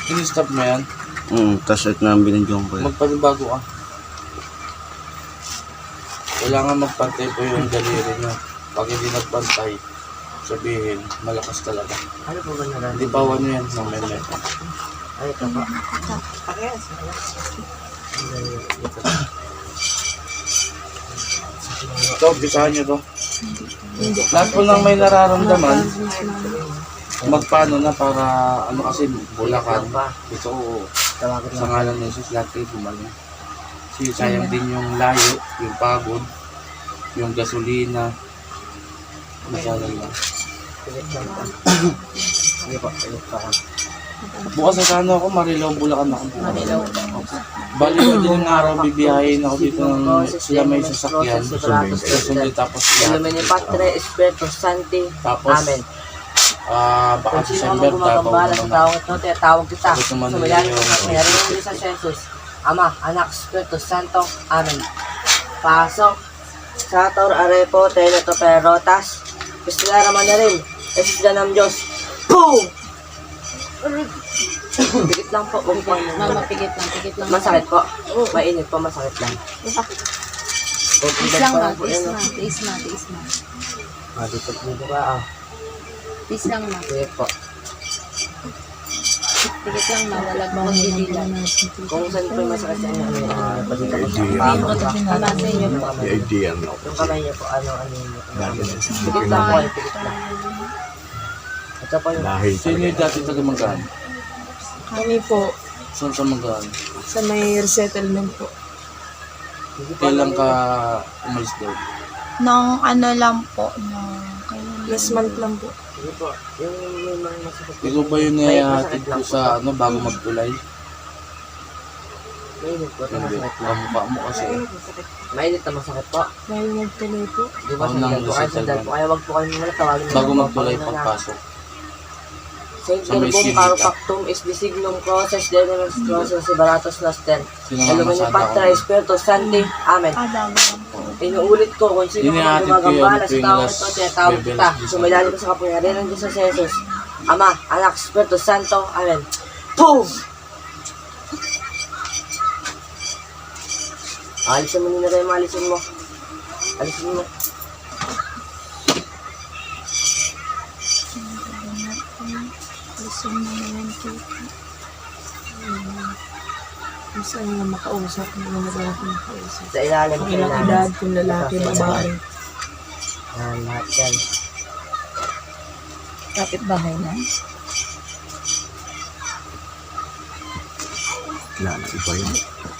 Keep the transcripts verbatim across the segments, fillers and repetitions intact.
In-stop mo yan? Hmm, tapos ito na ang binigyan ko. Magpanibago ka. Kailangan magpantay po yung daliri nyo. Pag hindi nagpantay, sabihin, malakas talaga. Ano po ba nararamdaman? Hindi pa ano yan sa meme. Ay, ito po. Ito, bisahan nyo to. Lahat po nang may nararamdaman, magpaano na para, ano kasi, bulakan. Ito, Tawagan sa lang. ngalan ng Jesus, lahat kayo gumaling. Kasi sayang din yung layo, yung pagod, yung gasolina. Masalan lang. Pilit lang po. Hindi po, pilit pa ako. Bukas sa ano ako, Marilao, Bulacan ako. Manilaw. Bali ko din yung araw, bibiyahin ako dito ng sila may sasakyan. Susunod tapos Ilumini Patre, Espiritu Santi. Tapos, Amen. ah, baka Kung sino December, ang gumagambala sa tapos tawag ito, tinatawag kita. Tapos naman Sumayan yung- ko sa meron din sa Jesus. Ama, Anak, Espiritu Santo. Amen. Pasok. Sa Tor Arepo, Teleto Perotas. Pistila naman na rin. Jesus Ganam Diyos. Boom! Pigit lang po. Huwag po. Mama, pigit lang, pigit lang. Masakit po. Mainit po, masakit lang. Tiis lang ma, tiis ma, tiis ma, tiis ma. Ah, dito po dito ka. Ah, Tiis lang ma. sige po. Pigit lang ma, wala pa akong didilan. Kung saan po yung masakit sa inyo, ano yun? Ah, pasita ko sa Idea. paa. Tama sa inyo po. The idea no. Yung kamay niyo po, ano, ano yun? Pigit lang po, eh, pigit lang. At saka po yung Dahil sino yung dati taga Magaan? Kami po, Saan sa Magaan? sa may resettlement po. Kailan ka umalis daw? Nung ano lang po, nung kailan Last month lang po. Sige po, yung may mga masakit. Ikaw ba yung nayahatid ko sa ano bago magtulay? Mainit po, ito Hindi. masakit lang. Kamukha mo kasi. Mainit na masakit po. Dahil nagtuloy po. Di ba Ako sandal nang po kayo, sandal po. Kaya wag po kayo muna tawagin. mo Bago na po, magtulay pag- pagpasok. Saint Sa may Verbum sinika. Carpactum is the signum crosses denemus crosses sebaratus noster. Sino nga Ilumini masada Patra, ako? Espiritu Santi. Amen. Ah, bago lang po. Inuulit ko kung sino man Inihatid ko yun, gumagambala sa tuwing tao alas ito, tinatawag Biyernes kita. Diyos Sumilali ko sa kapangyarihan ng Diyos sa Jesus. Ama, Anak, Espiritu Santo. Amen. Boom! Alisin mo nila tayo, alisin mo. Alisin mo. Listen mo naman po. Kung saan nga makausap, hindi na madalas makausap. Sa ilalim Kung ko ilang edad, kung lalaki, babae. Ah, lahat yan. Kapit bahay na. Wala na, iba yun.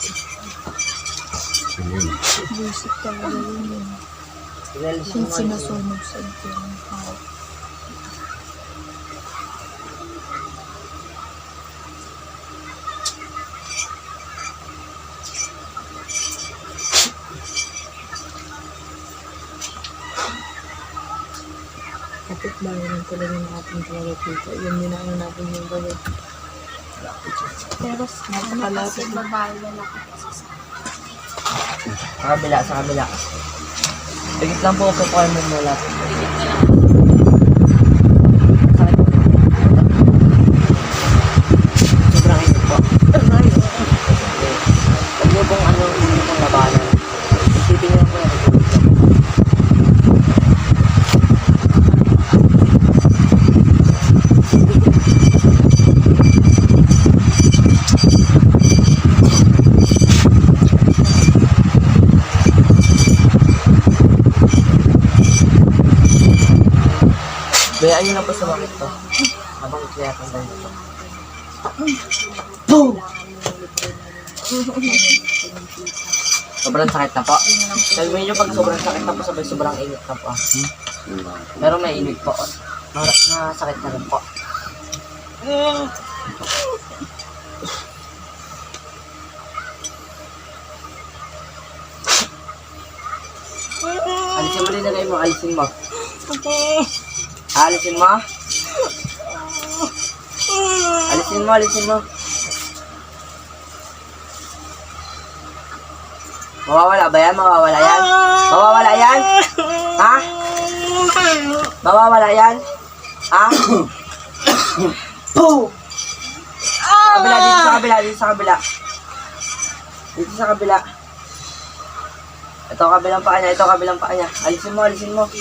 Ano yun? Busik talaga yun yun. Inalisin Yung mo. sinusunog sa ito ng tao. Kapit bahay lang talaga ng ating talaga dito. Yun din ang natin yung gawin. Pero ano kasi babae lalaki kasi sa Sa kabila, sa kabila. Pigit lang po, kukuha mo mula. Sakit po. Sobrang init po. Huwag niyo pong ano, huwag niyo pong labanan. Isipin niyo po yan. Bayaan niyo na po sa bakit to. Habang kaya kang ganito. Boom! Sobrang sakit na po. Sabihin niyo pag sobrang sakit na po, sabay sobrang init na po. Pero may init po. Mar- Nasakit na rin po. Alisin mo rin na mo, alisin mo. Alisin mo. Alisin mo, alisin mo. Mawawala ba yan? Mawawala yan? Mawawala yan? Ha? Mawawala yan? Ha? Boom! kabila, dito sa kabila, dito sa kabila. Dito sa kabila. Ito kabilang paa niya, ito kabilang paa niya. Alisin mo, alisin mo.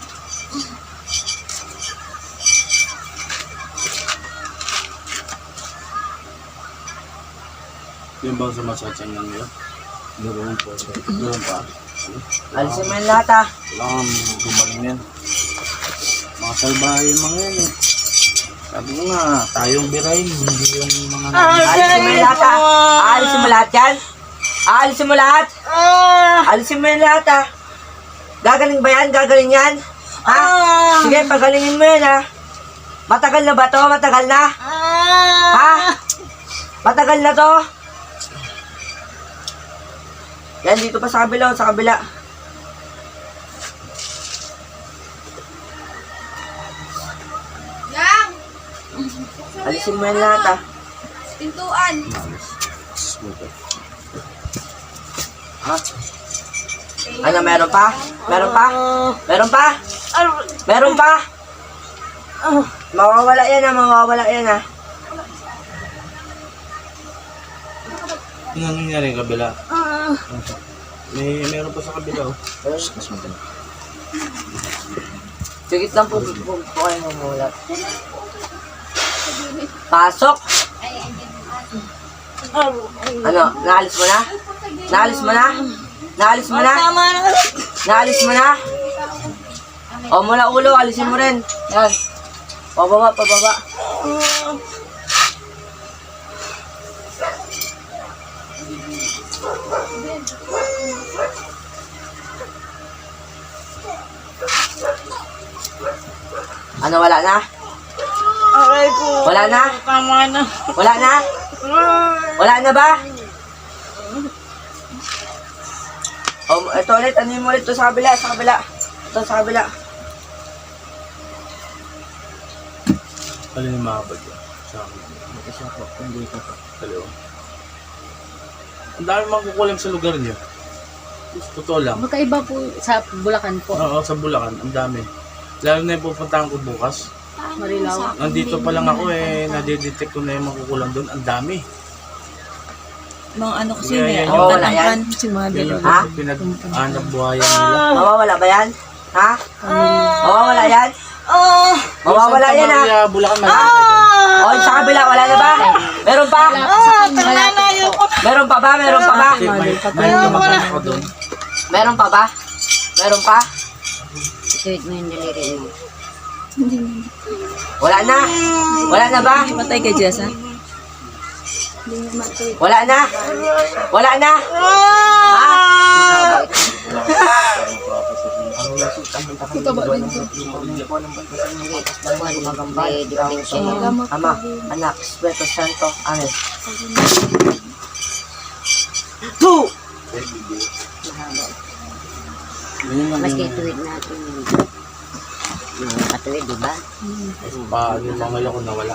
Yung bang sumasakyan lang yun? Doon po. Doon pa. Alisin mo yung lahat ah. Kailangan gumaling yan. Mga salbahe yung mga yan eh. Sabi ko nga, tayong birahin, hindi yung mga... Alisin mo yung lahat ah. Alisin mo lahat yan. Alisin mo lahat. Alisin mo yung lahat ah. Gagaling ba yan? Gagaling yan? Ha? Sige, pagalingin mo yan ah. Matagal na ba to? Matagal na? Ha? Matagal na to? Yan, dito pa sa kabila, sa kabila. Yang! Alisin mo yan lahat ah. Pintuan! Ha? Ano, meron pa? Meron pa? Meron pa? Meron pa? Mawawala yan ah, mawawala yan ah. Ano nangyari yung kabila? May meron pa sa kabila oh. Sigit lang po, po, po, po kayo mamulat. Pasok! Ano, naalis mo na? Naalis mo na? Naalis mo na? Naalis mo na? O mula ulo, alisin mo rin. Yan. Pababa, pababa. Ano, wala na? Aray ko. Wala na? Tama na. Wala na? Wala na ba? O, ito ulit, ano mo ulit? Ito sa kabila, sa kabila. Ito sa kabila. Alin yung makapag yun? Sa akin. Isa po, hindi ko pa. Dalawa. Ang dami makukulam sa lugar niyo. Totoo lang. Magkaiba po sa Bulacan po. Oo, sa Bulacan, ang dami. Lalo na yung pupuntahan ko bukas. Marilao. Nandito pa lang ako eh, nadidetect ko na yung makukulam doon. Ang dami. Mga ano kasi Yeah, yeah, yeah, yeah, yeah. ang tatangkan si Yan mother. yung Ha? pinag-anak buhayan nila. Mawawala ba yan? Ha? Mawawala yan? Ah! Mawawala yan ha? Maria, Bulacan, malaki dyan. O, sa kabila, wala na ba? Meron pa? Ah! Tama na yun. Meron pa ba? Meron pa ba? Okay, may, may kamag-anak ko doon. Meron pa ba? Meron pa? Ituwid mo yung daliri mo. Wala na? Wala na ba? Patay ka, Jess, ha? Wala na? Wala na? Ha? Ama, anak, Espiritu Santo, Amen. Two! Yun lang Maski yung ituwid natin yung mga katuwid, di ba? pa, yung mga ko nawala.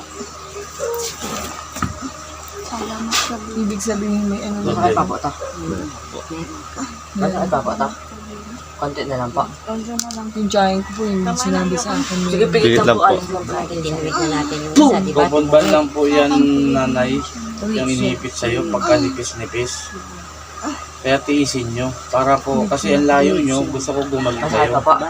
Ibig sabihin may ano. Masakit pa po ito. Masakit pa po ito. Konti na lang po. Yung giant ko po yung sinabi sa akin. Sige, pigit lang po. Alis lang po. Tinuwid na natin yung isa, di ba? Pupunban lang po yan, nanay, yung inipit sa'yo pagka nipis-nipis. Kaya tiisin nyo. Para po, kasi ang layo nyo, gusto ko gumaling Masakit kayo. pa po.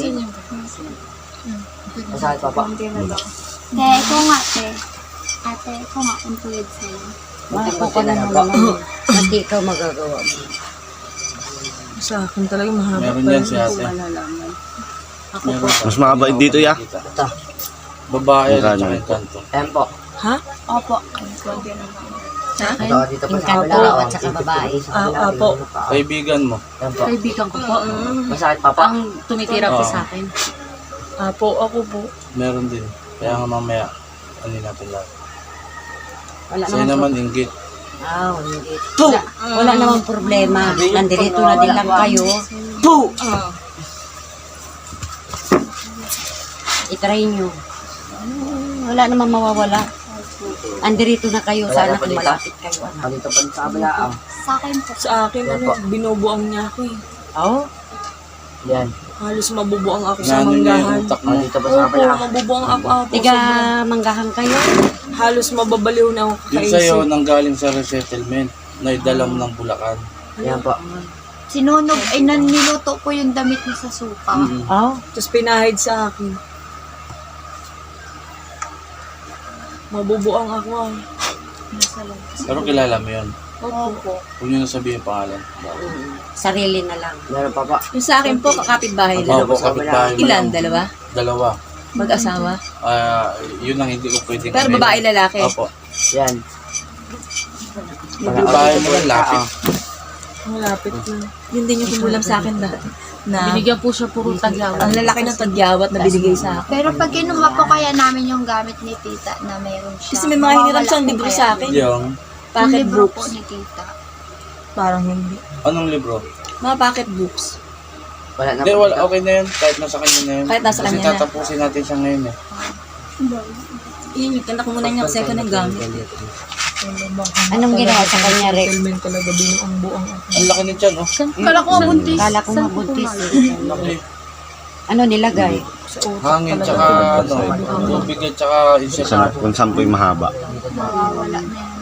Masakit pa po. Te, ikaw nga, te. Ate, ikaw nga, kung tuwid sa'yo. Mahal ka na naman. Maski ikaw magagawa mo. Sa akin talaga mahaba Meron pa yan rin. si ate. Malalaman. Meron pa. Mas makabait dito, ya. Ito. Babae at Magkano? saka yung kanto. Ayan po. Ha? Opo. Sa akin, Ito, dito pa yung sa kabila. kanto oh. at saka babae. Ah, apo. Kaibigan mo. Ayan po. Kaibigan ko po. Masakit pa po. Ang tumitira po Oo. sa akin. Apo, ako po. Meron din. Kaya nga mamaya, ano natin lahat. Wala Sa'yo naman. naman inggit. Ah, hindi. Wala, wala namang problema. Nandito na din lang kayo. Two! I-try nyo. Wala namang mawawala. Andirito na kayo. Wala Sana na po kung dito. malapit kayo. Ano. Ah, dito pa sa kabila. ah. Sa akin po. Sa akin, ano, binubuang niya ako eh. Oo. Yan. Halos mabubuang ako sa Nano niya yung manggahan. utak Ah, mo. dito pa sa Opo, kabila. mabubuang ako. Apo, Tiga sobrang- manggahan kayo. halos mababaliw na ako Yung sa'yo, kakaisip. nanggaling sa resettlement, na idala mo ng Bulacan. Yan po. Sinunog, ay naniluto ko yung damit niya sa suka. Mm-mm. Oh, Tapos pinahid sa akin. Mabubuang ako ah. Nasa labas. Pero kilala mo yun. Opo. Huwag nyo na sabihin yung pangalan. sarili na lang. Meron pa pa. Yung sa akin po, kakapit-bahay Ang lang. po, kapitbahay mo Ilan? lang. Dalawa? Dalawa. Mag-asawa? Ah, yun ang hindi ko pwedeng Pero aminin. babae, lalaki. Opo. Yan. Kapitbahay mo lang, lapit. Ang lapit na. Yun din yung kumulam sa akin dati. Na, Binigyan po siya puro tagyawat. ang lalaki ng tagyawat na binigay sa akin. Pero pag kinuha po kaya namin yung gamit ni tita na mayroon siya. Kasi may mga hiniram siyang mawawala libro po sa kaya. akin. Yung, Yung Pocket libro po books. ni tita. Parang hindi. anong libro? Mga pocket books. Wala na Hindi, po. wala, okay na yun. Kahit nasa kanya na yun. Kahit nasa Kasi kanya na. tatapusin natin siya ngayon eh. Yun, yung kanta ko muna niya kasi ako ng gamit. Anong ginawa sa kanya, Rex? Settlement talaga binuang buang ako. Ang laki ni Chan, oh. Kala ko buntis. Kala ko mabuntis. Ang laki. Ano nilagay? Sa utak Hangin, talaga. tsaka, ano, tubig at tsaka insect. Sa, kung saan po yung mahaba. Mawawala na yan.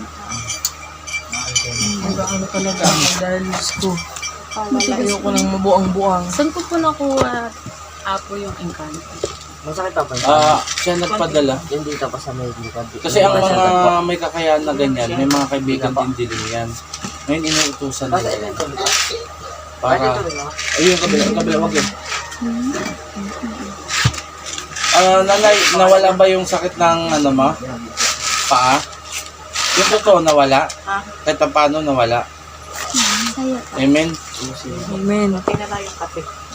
Ano talaga ako dahil gusto. Ayoko nang mabuang-buang. Saan ko po nakuha apo yung engkanto? Masakit pa po. Ah, siya nagpadala. Yung dito pa sa may likod. Kasi ang mga may kakayahan na ganyan, may mga kaibigan din din yan. Ngayon inuutusan Basta nila. ito. Para, ayun, kabila, kabila, wag yun. Ah, nanay, nawala ba yung sakit ng ano ma? Paa? Yung totoo nawala? Kahit pa paano nawala? Saya. Amen? Amen.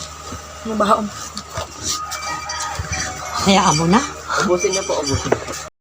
Mabaho. Hayaan mo na. Ubusin niyo po, ubusin.